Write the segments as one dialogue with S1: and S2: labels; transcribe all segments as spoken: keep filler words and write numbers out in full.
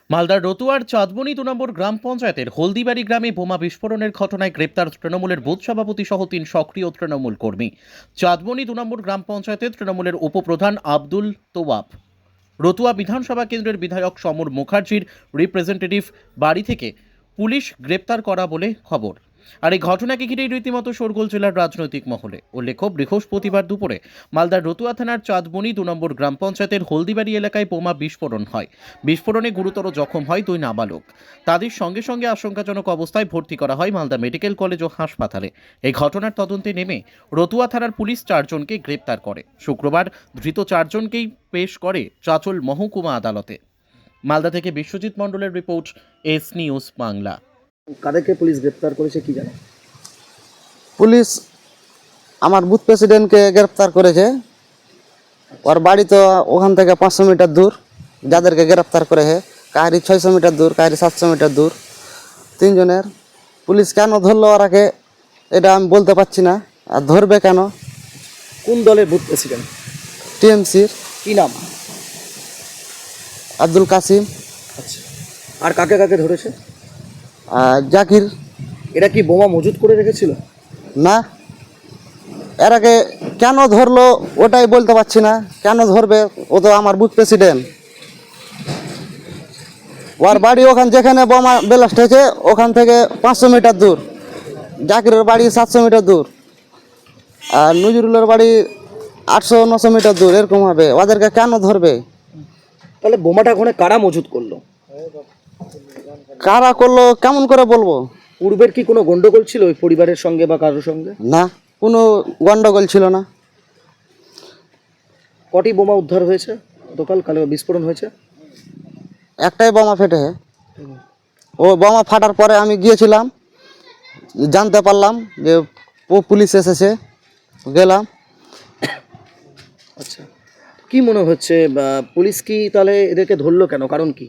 S1: মালদার রতুয়ার চাঁদবনি দু নম্বর গ্রাম পঞ্চায়েতের হলদিবাড়ি গ্রামে বোমা বিস্ফোরণের ঘটনায় গ্রেপ্তার তৃণমূলের বুথ সভাপতি সহ তিন সক্রিয় তৃণমূল কর্মী। চাঁদবনি দু নম্বর গ্রাম পঞ্চায়েতের তৃণমূলের উপপ্রধান আব্দুল তোয়াব, রতুয়া বিধানসভা কেন্দ্রের বিধায়ক সমর মুখার্জির রিপ্রেজেন্টেটিভ বাড়ি থেকে পুলিশ গ্রেপ্তার করা বলে খবর। আর এই ঘটনাকে ঘিরেই রীতিমতো শোরগোল জেলার রাজনৈতিক মহলে। উল্লেখ্য, বৃহস্পতিবার দুপুরে মালদার রতুয়া থানার চাঁদবনি দু নম্বর গ্রাম পঞ্চায়েতের হলদিবাড়ি এলাকায় বোমা বিস্ফোরণ হয়। বিস্ফোরণে গুরুতর জখম হয় দুই নাবালক। তাদের সঙ্গে সঙ্গে আশঙ্কাজনক অবস্থায় ভর্তি করা হয় মালদা মেডিকেল কলেজ ও হাসপাতালে। এই ঘটনার তদন্তে নেমে রতুয়া থানার পুলিশ চারজনকে গ্রেপ্তার করে। শুক্রবার ধৃত চারজনকেই পেশ করে চাঁচল মহকুমা আদালতে। মালদা থেকে বিশ্বজিৎ মণ্ডলের রিপোর্ট, এস নিউজ বাংলা।
S2: কাদেরকে পুলিশ গ্রেপ্তার করেছে কি জানো?
S3: পুলিশ আমার বুথ প্রেসিডেন্টকে গ্রেপ্তার করেছে। ওর বাড়ি তো ওখান থেকে পাঁচশো মিটার দূর। যাদেরকে গ্রেপ্তার করেছে কাহারি ছয়শো মিটার দূর, কাহারি সাতশো মিটার দূর। তিনজনের পুলিশ কেন ধরলো ওরাকে এটা আমি বলতে পারছি না। আর ধরবে কেন?
S2: কোন দলের বুথ প্রেসিডেন্ট?
S3: টিএমসির
S2: কি নাম?
S3: আব্দুল কাসিম
S2: আচ্ছা, আর কাকে কাকে ধরেছে?
S3: আর জাকির।
S2: এরা কি বোমা মজুত করে রেখেছিল?
S3: না, এরাকে কেন ধরলো ওটাই বলতে পারছি না। কেন ধরবে? ও তো আমার বুথ প্রেসিডেন্ট। ওর বাড়ি ওখান যেখানে বোমা ব্লাস্ট হয়েছে ওখান থেকে পাঁচশো মিটার দূর। জাকিরের বাড়ি সাতশো মিটার দূর, আর নজরুলের বাড়ি আটশো নশো মিটার দূর। এরকম হবে, ওদেরকে কেন ধরবে?
S2: তাহলে বোমাটা ওখানে কারা মজুত করলো?
S3: কারা করলো কেমন করে বলবো?
S2: পূর্বের কি কোনো গন্ডগোল ছিল ওই পরিবারের সঙ্গে বা কারোর সঙ্গে?
S3: না, কোনো গন্ডগোল ছিল না।
S2: কটি বোমা উদ্ধার হয়েছে গতকাল? কালে বিস্ফোরণ হয়েছে
S3: একটাই বোমা ফেটে। ও বোমা ফাটার পরে আমি গিয়েছিলাম, জানতে পারলাম যে ও পুলিশ এসেছে, গেলাম।
S2: আচ্ছা, কি মনে হচ্ছে বা পুলিশ কি তাহলে এদেরকে ধরলো কেন? কারণ কি?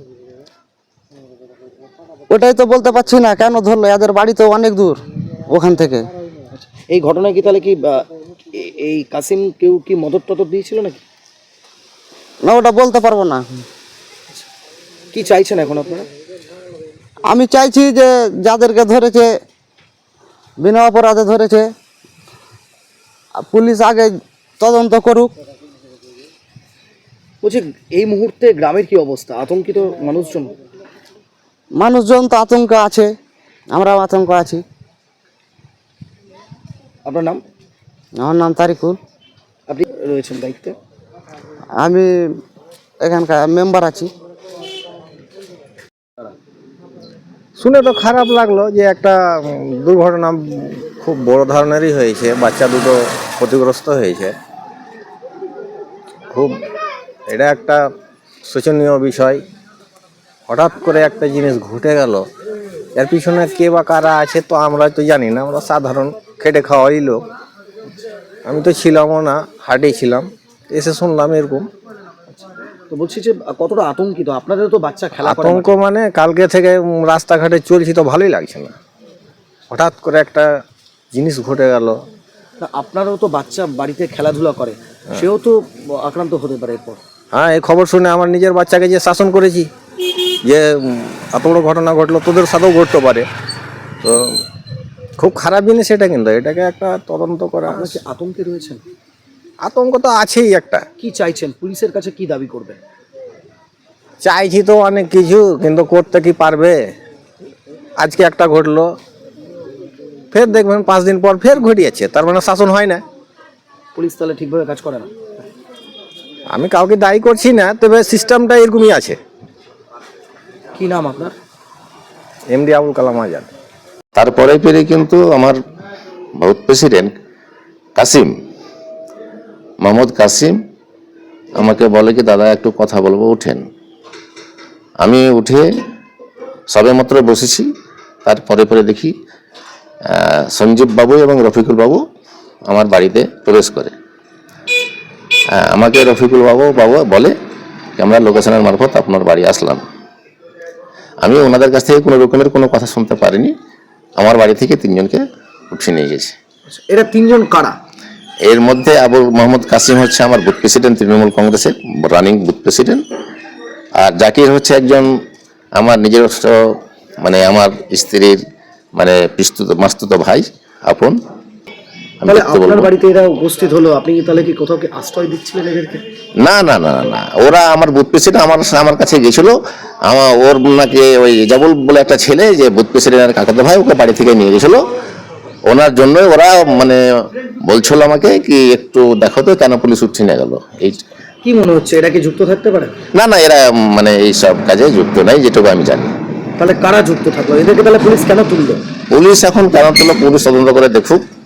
S3: ওটাই তো বলতে পারছি না কেন ধরলো। এদের বাড়ি তো অনেক দূর ওখান থেকে।
S2: এই ঘটনায় কি তাহলে কি বা, এ- এই কাসিম কেউ কি মদত টদত দিয়েছিল নাকি?
S3: না, ওটা বলতে পারবো না।
S2: কি চাইছেন এখন আপনারা?
S3: আমি চাইছি যে যাদেরকে ধরেছে বিনা অপরাধে ধরেছে, পুলিশ আগে তদন্ত করুক।
S2: বলছি, এই মুহূর্তে গ্রামের কি অবস্থা? আতঙ্কিত মানুষজন?
S3: মানুষজন তো আতঙ্ক আছে, আমরাও আতঙ্ক আছি।
S2: আপনার নাম?
S3: আমার নাম তারিকুল।
S2: আপনি রয়েছেন দায়িত্বে?
S3: আমি এখানকার মেম্বার আছি।
S4: শুনে তো খারাপ লাগলো যে একটা উম, দুর্ঘটনা খুব বড় ধরনেরই হয়েছে, বাচ্চা দুটো ক্ষতিগ্রস্ত হয়েছে। খুব এটা একটা শোচনীয় বিষয়। হঠাৎ করে একটা জিনিস ঘটে গেল, এর পিছনে কে বা কারা আছে তো আমরা তো জানি না। আমরা সাধারণ খেটে খাওয়াই লোক। আমি তো ছিলামও না, হাটেই ছিলাম, এসে শুনলাম এরকম।
S2: তো বলছি যে কতটা আতঙ্কিত? আপনাদের তো বাচ্চা খেলা করে
S4: আতঙ্ক মানে কালকে থেকে উম, রাস্তাঘাটে চলছি তো ভালোই লাগছে না। হঠাৎ করে একটা জিনিস ঘটে গেল।
S2: মাঠে। আপনারও তো বাচ্চা বাড়িতে খেলাধুলা করে, সেও তো আক্রান্ত হতে পারে এরপর।
S4: হ্যাঁ, এই খবর শুনে আমার নিজের বাচ্চাকে যে শাসন করেছি যে উম, এত বড় ঘটনা ঘটলো, তোদের সাথেও ঘটতে পারে। তো খুব খারাপ জিনিস এটা, কিন্তু এটাকে একটা তদন্ত করা।
S2: আপনার কি আতঙ্কে রয়েছেন?
S4: আতঙ্ক তো আছেই একটা।
S2: কি চাইছেন? পুলিশের কাছে কি দাবি করবেন?
S4: চাইছি তো অনেক কিছু, কিন্তু করতে কি পারবে? আজকে একটা ঘটলো, ফের দেখবেন পাঁচ দিন পর ফের ঘটিয়েছে, তার মানে শাসন হয় না।
S2: পুলিশ তাহলে ঠিকভাবে কাজ করে না?
S4: আমি কাউকে দায়ী করছি না, তবে সিস্টেমটা এরকমই আছে।
S2: কি নাম আপনার?
S4: এমডি আবুল কালাম আজাদ।
S5: তারপরে পেরে কিন্তু আমার বুথ প্রেসিডেন্ট কাসিম, মোহাম্মদ কাসিম আমাকে বলে কি দাদা একটু কথা বলবো, উঠেন। আমি উঠে সবেমাত্র বসেছি, তারপরে পরে দেখি আহ, সঞ্জীব বাবু এবং রফিকুল বাবু আমার বাড়িতে প্রবেশ করে। আহ, আমাকে রফিকুল বাবু বাবু বলে যে আমরা লোকেশনের মারফত আপনার বাড়ি আসলাম। আমি ওনাদের কাছ থেকে কোনো রকমের কোনো কথা শুনতে পারিনি। আমার বাড়ি থেকে তিনজনকে উঠিয়ে নিয়ে গেছে।
S2: এরা তিনজন কারা?
S5: এর মধ্যে আবু মোহাম্মদ কাসিম হচ্ছে আমার বুথ প্রেসিডেন্ট, তৃণমূল কংগ্রেসের রানিং বুথ প্রেসিডেন্ট। আর জাকির হচ্ছে একজন আমার নিজস্ব মানে আমার স্ত্রীর মানে পিস্তুত মাস্তুত ভাই আপন। আমি
S2: তাহলে
S5: দেখতে
S2: আপনার
S5: বলবো
S2: বাড়িতে এরা উপস্থিত হলো, আপনি কি তাহলে কি কোথাও কি আশ্রয় দিচ্ছিলেন এদেরকে?
S5: না না না না না ওরা আমার বুথ প্রেসিডেন্ট আমার আমার কাছে গেছিল। আমার ওর নাকি ওই জাবুল বলে একটা ছেলে যে বুথ প্রেসিডেন্টের কাকাতো ভাই ওকে বাড়ি থেকে নিয়ে গেছিল, ওনার জন্য ওরা মানে বলছিল আমাকে কি একটু দেখো তো কেন পুলিশ উঠছে নিয়ে গেল। এই
S2: কি মনে হচ্ছে এরা কি যুক্ত থাকতে পারে?
S5: না না এরা মানে এইসব কাজে যুক্ত নাই যেটুকু আমি জানি।
S2: তাহলে কারা যুক্ত থাকলো? এদেরকে তাহলে পুলিশ কেন তুললো?
S5: পুলিশ এখন কেন তুলো পুলিশ তদন্ত করে দেখুক।